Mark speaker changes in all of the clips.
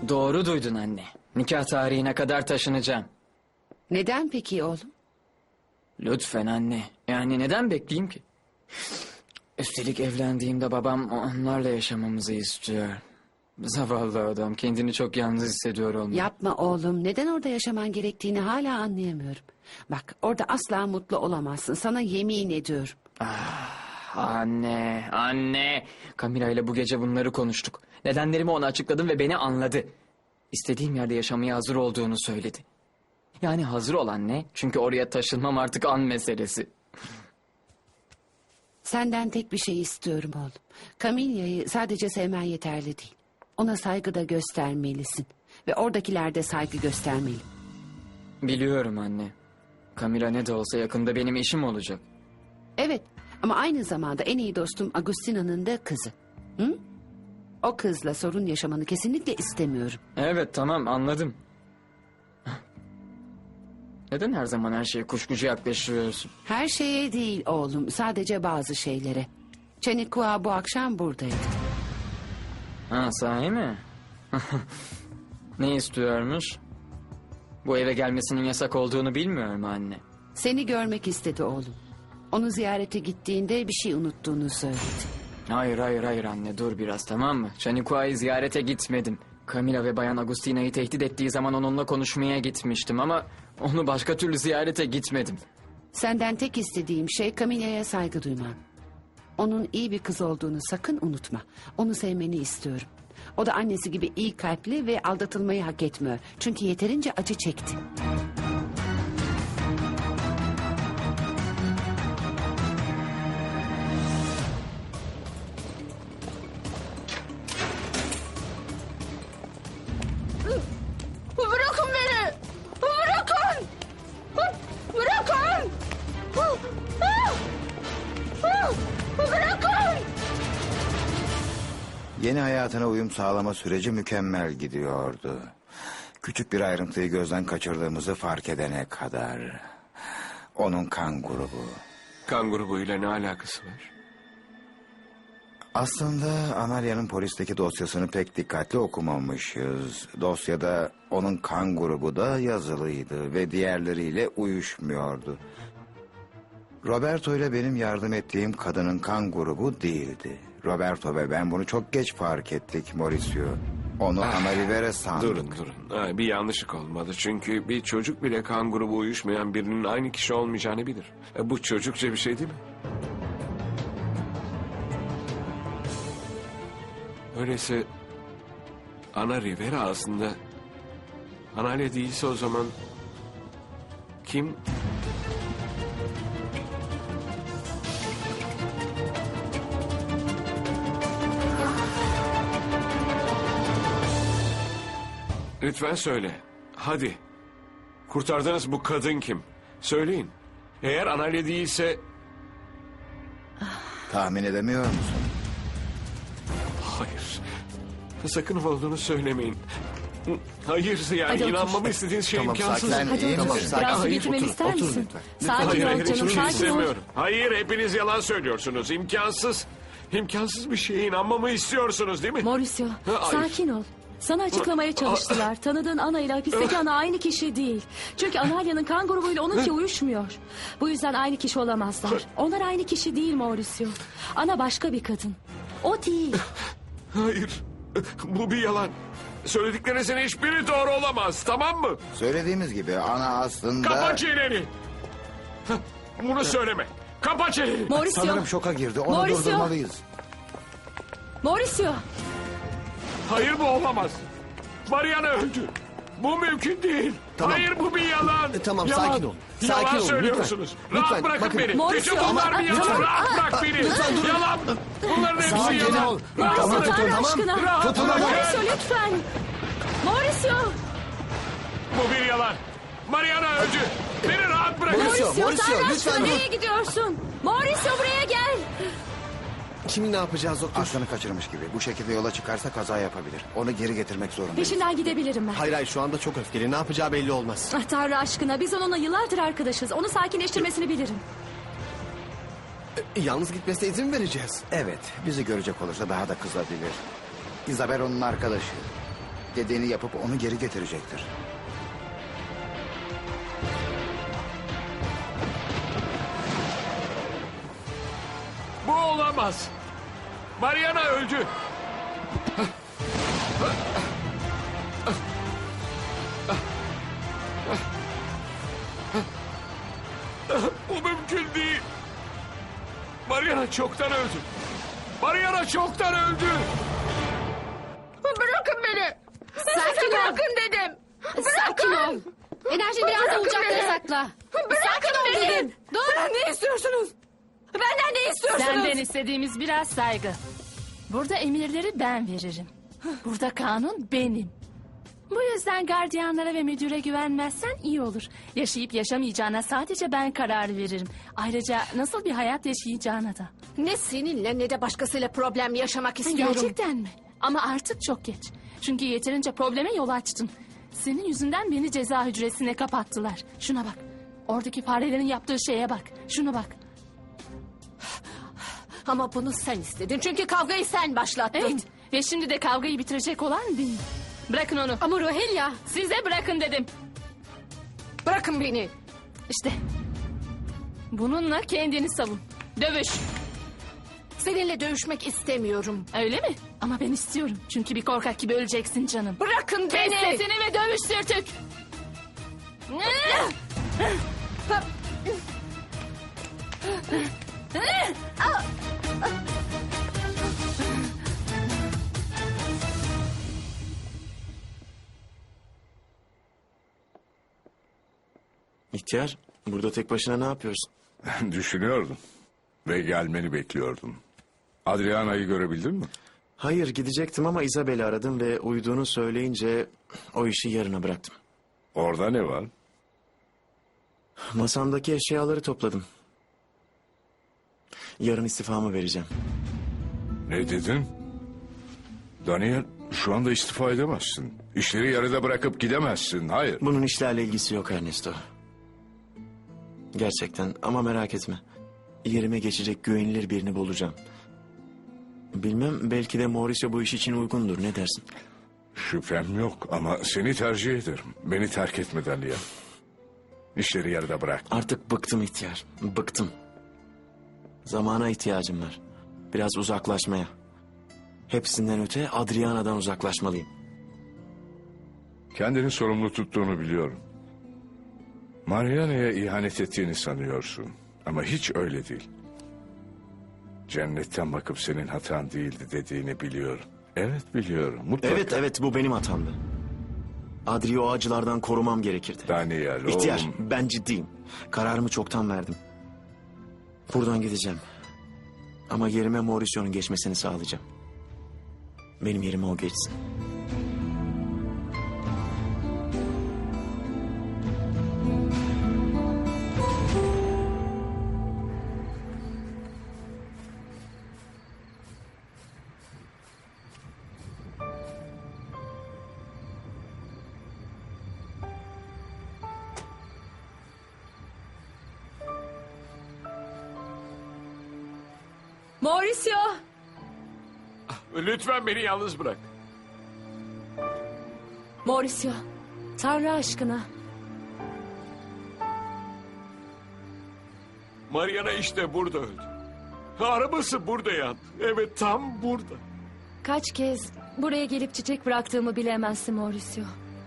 Speaker 1: Doğru duydun anne. Nikah tarihine kadar taşınacağım.
Speaker 2: Neden peki oğlum?
Speaker 1: Lütfen anne. Yani neden bekleyeyim ki? Üstelik evlendiğimde babam onlarla yaşamamızı istiyor. Zavallı adam kendini çok yalnız hissediyor olmalı.
Speaker 2: Yapma oğlum. Neden orada yaşaman gerektiğini hala anlayamıyorum. Bak orada asla mutlu olamazsın. Sana yemin ediyorum.
Speaker 1: Anne. Camila ile bu gece bunları konuştuk. Nedenlerimi ona açıkladım ve beni anladı. İstediğim yerde yaşamaya hazır olduğunu söyledi. Yani hazır ol anne. Çünkü oraya taşınmam artık an meselesi.
Speaker 2: Senden tek bir şey istiyorum oğlum. Camilla'yı sadece sevmen yeterli değil. Ona saygı da göstermelisin. Ve oradakiler de saygı göstermeli.
Speaker 1: Biliyorum anne. Camila ne de olsa yakında benim eşim olacak.
Speaker 2: Evet ama aynı zamanda en iyi dostum Agustina'nın da kızı. Hı? O kızla sorun yaşamanı kesinlikle istemiyorum.
Speaker 1: Evet tamam anladım. Neden her zaman her şeye kuşkucu yaklaşıyorsun?
Speaker 2: Her şeye değil oğlum, sadece bazı şeylere. Çenikua bu akşam buradaydı.
Speaker 1: Ha sahi mi? Ne istiyormuş? Bu eve gelmesinin yasak olduğunu bilmiyor mu anne?
Speaker 2: Seni görmek istedi oğlum. Onu ziyarete gittiğinde bir şey unuttuğunu söyledi.
Speaker 1: Hayır anne dur biraz tamam mı? Çanikua'yı ziyarete gitmedim. Camila ve Bayan Agustina'yı tehdit ettiği zaman onunla konuşmaya gitmiştim ama onu başka türlü ziyarete gitmedim.
Speaker 2: Senden tek istediğim şey Camilla'ya saygı duyman. Onun iyi bir kız olduğunu sakın unutma. Onu sevmeni istiyorum. O da annesi gibi iyi kalpli ve aldatılmayı hak etmiyor. Çünkü yeterince acı çekti.
Speaker 3: Bırakın beni! Bırakın! Bırakın! Bırakın!
Speaker 4: Yeni hayatına uyum sağlama süreci mükemmel gidiyordu. Küçük bir ayrıntıyı gözden kaçırdığımızı fark edene kadar. Onun kan grubu.
Speaker 5: Kan grubuyla ne alakası var?
Speaker 4: Aslında Amalia'nın polisteki dosyasını pek dikkatli okumamışız. Dosyada onun kan grubu da yazılıydı ve diğerleriyle uyuşmuyordu. Roberto ile benim yardım ettiğim kadının kan grubu değildi. Roberto ve ben bunu çok geç fark ettik Mauricio. Onu Amalivere sandık.
Speaker 5: Durun. Bir yanlışlık olmalı. Çünkü bir çocuk bile kan grubu uyuşmayan birinin aynı kişi olmayacağını bilir. Bu çocukça bir şey değil mi? Öyleyse Ana Rivera aslında Analia değilse o zaman kim? Lütfen söyle. Hadi. Kurtardığınız bu kadın kim? Söyleyin. Eğer Analia değilse...
Speaker 4: Tahmin edemiyor musun?
Speaker 5: Hayır. Sakın olduğunu söylemeyin. Hayır yani
Speaker 3: Hadi otur.
Speaker 5: inanmamı istediğiniz şey imkansız.
Speaker 4: Sen iyi
Speaker 3: otur.
Speaker 4: misin?
Speaker 3: Biraz su
Speaker 5: Hayır,
Speaker 3: getirmemi
Speaker 4: otur,
Speaker 3: ister
Speaker 4: otur
Speaker 3: misin?
Speaker 4: lütfen.
Speaker 3: Sakin ol canım,
Speaker 5: hiçbir şey
Speaker 3: sakin ol.
Speaker 5: istemiyorum. Hayır hepiniz yalan söylüyorsunuz. İmkansız. İmkansız bir şeye inanmamı istiyorsunuz değil mi?
Speaker 6: Mauricio,
Speaker 5: Hayır.
Speaker 6: sakin ol. Sana açıklamaya çalıştılar. Tanıdığın Ana ile hapisteki Ana aynı kişi değil. Çünkü Analia'nın kan grubuyla onunki uyuşmuyor. Bu yüzden aynı kişi olamazlar. Onlar aynı kişi değil Mauricio. Ana başka bir kadın. O değil.
Speaker 5: Hayır. Bu bir yalan. Söylediklerinizin hiçbiri doğru olamaz. Tamam mı?
Speaker 4: Söylediğimiz gibi ana aslında...
Speaker 5: Kapa çeneni. Bunu söyleme. Kapa çeneni.
Speaker 6: Mauricio.
Speaker 4: Sanırım şoka girdi. Onu
Speaker 6: Mauricio.
Speaker 4: durdurmalıyız.
Speaker 6: Mauricio.
Speaker 5: Hayır bu olamaz. Mariana öldü. Bu mümkün değil.
Speaker 7: Tamam.
Speaker 5: Hayır bu bir yalan.
Speaker 7: Tamam,
Speaker 5: Yalan.
Speaker 7: sakin ol. Sakin
Speaker 5: Yalan
Speaker 7: olun,
Speaker 5: söylüyorsunuz.
Speaker 7: lütfen.
Speaker 5: Rahat
Speaker 7: Lütfen,
Speaker 5: bırakın
Speaker 7: bakın.
Speaker 5: beni.
Speaker 6: Mauricio,
Speaker 5: Bütün bunlar bir yalan.
Speaker 6: lütfen.
Speaker 5: Rahat bırak beni.
Speaker 7: lütfen durun.
Speaker 5: Yalan. Bunların hepsi
Speaker 7: Sakin
Speaker 5: yalan.
Speaker 7: ol.
Speaker 5: Rahat
Speaker 7: Tamam,
Speaker 5: bırak.
Speaker 6: Tanrı
Speaker 7: tamam.
Speaker 6: aşkına.
Speaker 5: Rahat bırak.
Speaker 6: Mauricio lütfen. Mauricio.
Speaker 5: Bu bir yalan. Mariana öldü. Beni rahat bırakın.
Speaker 7: Mauricio,
Speaker 6: Tanrı aşkına
Speaker 7: lütfen dur.
Speaker 6: nereye gidiyorsun? Mauricio buraya gel.
Speaker 7: Şimdi ne yapacağız doktor?
Speaker 4: Aslanı kaçırmış gibi. Bu şekilde yola çıkarsa kaza yapabilir. Onu geri getirmek zorundayız.
Speaker 6: Peşinden gidebilirim ben.
Speaker 7: Hayır şu anda çok öfkeli. Ne yapacağı belli olmaz.
Speaker 6: Ah, Tanrı aşkına biz onunla yıllardır arkadaşız. Onu sakinleştirmesini bilirim.
Speaker 7: Yalnız gitmesine izin mi vereceğiz?
Speaker 4: Evet, bizi görecek olursa daha da kızabilir. Isabel onun arkadaşı. dediğini yapıp onu geri getirecektir.
Speaker 5: Bu olamaz. Mariana öldü. Bu mümkün değil. Mariana çoktan öldü. Mariana çoktan öldü.
Speaker 3: Bırakın beni.
Speaker 2: Sakin ol.
Speaker 3: Bırakın dedim.
Speaker 2: Sakin ol. Enerji biraz da
Speaker 3: Bırakın
Speaker 2: ocaklara
Speaker 3: beni.
Speaker 2: sakla.
Speaker 3: Bırakın
Speaker 2: Sakin ol
Speaker 3: beni.
Speaker 2: dedim. Dur.
Speaker 3: Ne istiyorsunuz? Benden ne istiyorsunuz?
Speaker 6: Senden istediğimiz biraz saygı. Burada emirleri ben veririm. Burada kanun benim. Bu yüzden gardiyanlara ve müdüre güvenmezsen iyi olur. Yaşayıp yaşamayacağına sadece ben karar veririm. Ayrıca nasıl bir hayat yaşayacağına da.
Speaker 3: Ne seninle ne de başkasıyla problem yaşamak istiyorum.
Speaker 6: Gerçekten mi? Ama artık çok geç. Çünkü yeterince probleme yol açtın. Senin yüzünden beni ceza hücresine kapattılar. Şuna bak. Oradaki farelerin yaptığı şeye bak. Şuna bak.
Speaker 3: Ama bunu sen istedin. Çünkü kavgayı sen başlattın.
Speaker 6: Evet. Ve şimdi de kavgayı bitirecek olan benim. Bırakın onu.
Speaker 3: Ama Rohilya,
Speaker 6: Size bırakın dedim.
Speaker 3: bırakın beni.
Speaker 6: İşte. Bununla kendini savun. Dövüş.
Speaker 3: Seninle dövüşmek istemiyorum.
Speaker 6: Öyle mi? Ama ben istiyorum. Çünkü bir korkak gibi öleceksin canım.
Speaker 3: Bırakın
Speaker 6: Kes
Speaker 3: beni.
Speaker 6: sesini ve dövüş sürtük.
Speaker 8: İhtiyar, burada tek başına ne yapıyorsun?
Speaker 9: Düşünüyordum ve gelmeni bekliyordum. Adriana'yı görebildin mi?
Speaker 8: Hayır, gidecektim ama Isabel'i aradım ve uyuduğunu söyleyince o işi yarına bıraktım.
Speaker 9: Orada ne var?
Speaker 8: Masamdaki eşyaları topladım. Yarın istifamı vereceğim.
Speaker 9: Ne dedin? Daniel, şu anda istifa edemezsin. İşleri yarıda bırakıp gidemezsin. Hayır.
Speaker 8: Bunun işlerle ilgisi yok Ernesto. Gerçekten ama merak etme. Yerime geçecek güvenilir birini bulacağım. Bilmem, belki de Mauricio bu iş için uygundur, ne dersin?
Speaker 9: Şüphem yok ama seni tercih ederim. Beni terk etme Daniel. İşleri yarıda bırak.
Speaker 8: Artık bıktım ihtiyar, bıktım. Zamana ihtiyacım var. Biraz uzaklaşmaya. Hepsinden öte Adriana'dan uzaklaşmalıyım.
Speaker 9: Kendini sorumlu tuttuğunu biliyorum. Mariana'ya ihanet ettiğini sanıyorsun. Ama hiç öyle değil. Cennetten bakıp senin hatan değildi dediğini biliyorum. Evet biliyorum. Mutlaka.
Speaker 8: Evet bu benim hatamdı. Adri'yi o acılardan korumam gerekirdi.
Speaker 9: Daniel
Speaker 8: İhtiyar,
Speaker 9: oğlum.
Speaker 8: ben ciddiyim. Kararımı çoktan verdim. Buradan gideceğim. Ama yerime Mauricio'nun geçmesini sağlayacağım. Benim yerime o geçsin.
Speaker 6: Mauricio.
Speaker 5: Lütfen beni yalnız bırak.
Speaker 6: Mauricio. Tanrı aşkına.
Speaker 5: Mariana işte burada öldü. Arabası burada yandı. Evet, tam burada.
Speaker 6: Kaç kez buraya gelip çiçek bıraktığımı bilemezsin Mauricio.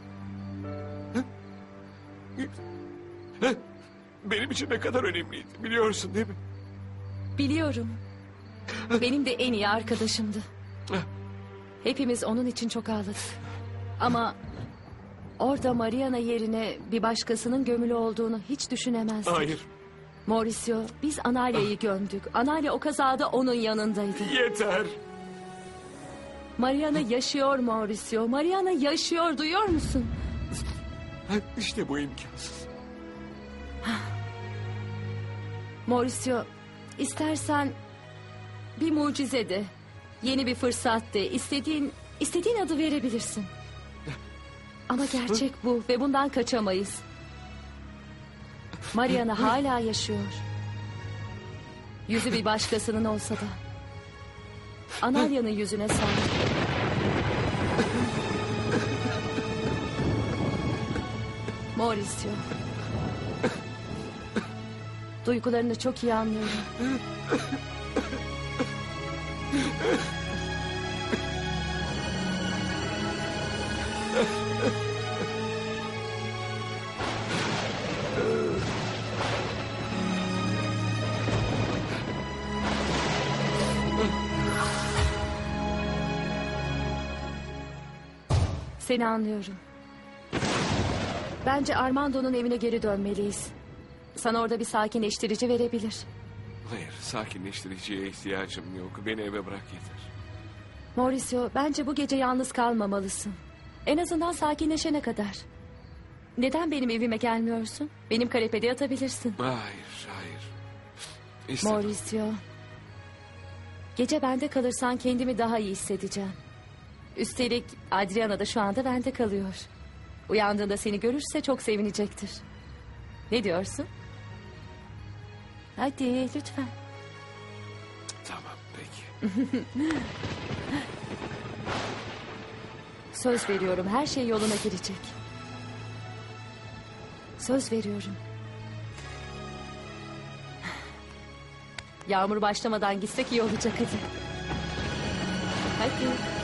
Speaker 5: Benim için ne kadar önemliydi biliyorsun değil mi?
Speaker 6: Biliyorum. Benim de en iyi arkadaşımdı. Hepimiz onun için çok ağladık. Ama orada Mariana yerine bir başkasının gömülü olduğunu hiç düşünemezdik.
Speaker 5: Hayır,
Speaker 6: Mauricio, biz Analia'yı gömdük. Analia o kazada onun yanındaydı.
Speaker 5: yeter.
Speaker 6: Mariana yaşıyor Mauricio. Mariana yaşıyor, duyuyor musun?
Speaker 5: İşte bu imkansız.
Speaker 6: Mauricio, istersen bir mucize de, yeni bir fırsat de, istediğin adı verebilirsin. Ama gerçek bu ve bundan kaçamayız. Mariana hala yaşıyor. Yüzü bir başkasının olsa da. Analia'nın yüzüne sahip. Mauricio. Duygularını çok iyi anlıyorum. Seni anlıyorum. Bence Armando'nun evine geri dönmeliyiz. Sana orada bir sakinleştirici verebilir.
Speaker 5: Hayır, sakinleştiriciye ihtiyacım yok. Beni eve bırak yeter.
Speaker 6: Mauricio, bence bu gece yalnız kalmamalısın. En azından sakinleşene kadar. Neden benim evime gelmiyorsun? Benim kanepede yatabilirsin.
Speaker 5: Hayır, hayır. İstemem.
Speaker 6: Mauricio. Gece bende kalırsan kendimi daha iyi hissedeceğim. Üstelik Adriana da şu anda bende kalıyor. Uyandığında seni görürse çok sevinecektir. Ne diyorsun? Hadi lütfen.
Speaker 5: Tamam, peki.
Speaker 6: Söz veriyorum, her şey yoluna girecek. Söz veriyorum. Yağmur başlamadan gitsek iyi olacak hadi. Hadi.